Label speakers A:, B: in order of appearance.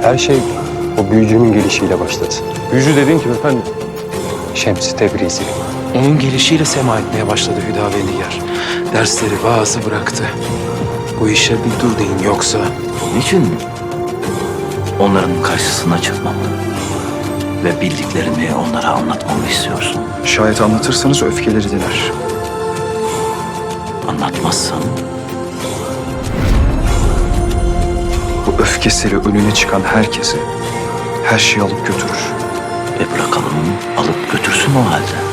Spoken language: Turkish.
A: Her şey o büyücünün gelişiyle başladı.
B: Büyücü dediğin kim efendim?
A: Şems-i Tebrizi.
C: Onun gelişiyle sema etmeye başladı Hüdavendigar. Dersleri bazı bıraktı. Bu işe bir dur deyin yoksa...
D: Niçin onların karşısına çıkmamı ve bildiklerimi onlara anlatmamı istiyorsun?
E: Şayet anlatırsanız öfkeleri diner.
D: Anlatmazsan
E: Bu öfkesiyle önüne çıkan herkesi, her şeyi alıp götürür.
D: bırakalım alıp götürsün o halde.